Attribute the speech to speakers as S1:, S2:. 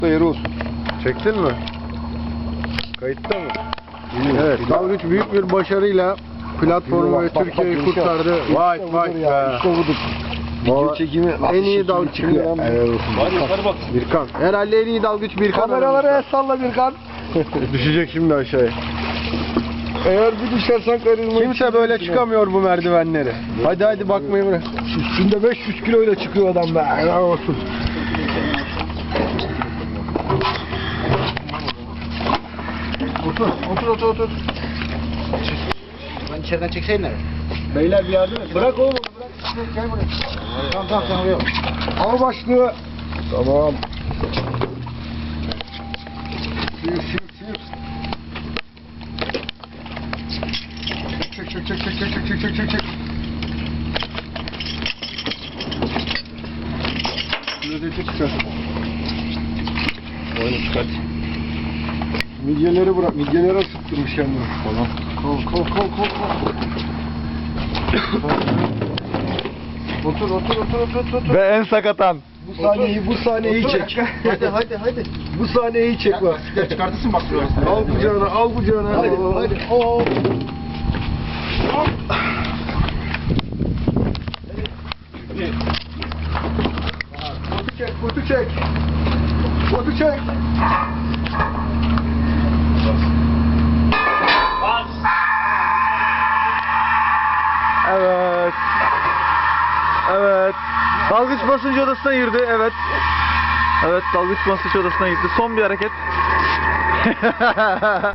S1: Yeri olsun.
S2: Çektin mi? Kayıtta mı? Evet, dalgıç büyük bir başarıyla platformu ve Türkiye'yi kurtardı. Vay vay be.
S1: İşte budur. Video çekimi
S2: En iyi dalgıç çıkıyor.
S1: Evet olsun.
S3: Hadi yukarı bak.
S2: Birkan. Herhalde en iyi dalgıç Birkan.
S1: Kameraları el salla Birkan.
S2: Düşecek şimdi aşağıya.
S1: Eğer bir düşersen karizma.
S2: Kimse böyle çıkamıyor bu merdivenleri. Hadi hadi bakmayı bırak.
S1: Üstünde 500 kiloyla çıkıyor adam be. Helal olsun. Otur.
S3: Ben içeriden çekseydin abi.
S1: Beyler bir yardım et. Bırak oğlum. Bırak. Gel buraya. Tamam sen oraya. Al başlığı. Tamam. Sıyır. Çek. Lezzetli çıkar.
S3: Oyunu çıkart.
S1: Midyeleri bırak. Midyeleri ısıttırmış kendini.
S3: Tamam.
S1: Kol. Otur.
S2: Ve en sakatan.
S1: Bu sahneyi çek.
S3: Hadi.
S1: Bu sahneyi çek bak.
S3: Çıkartırsın bak şuraya.
S1: Al kucağına. Hadi. Oo. Botu çek.
S2: Evet. Dalgıç basınç odasına girdi. Evet. Evet, dalgıç basınç odasına gitti. Son bir hareket.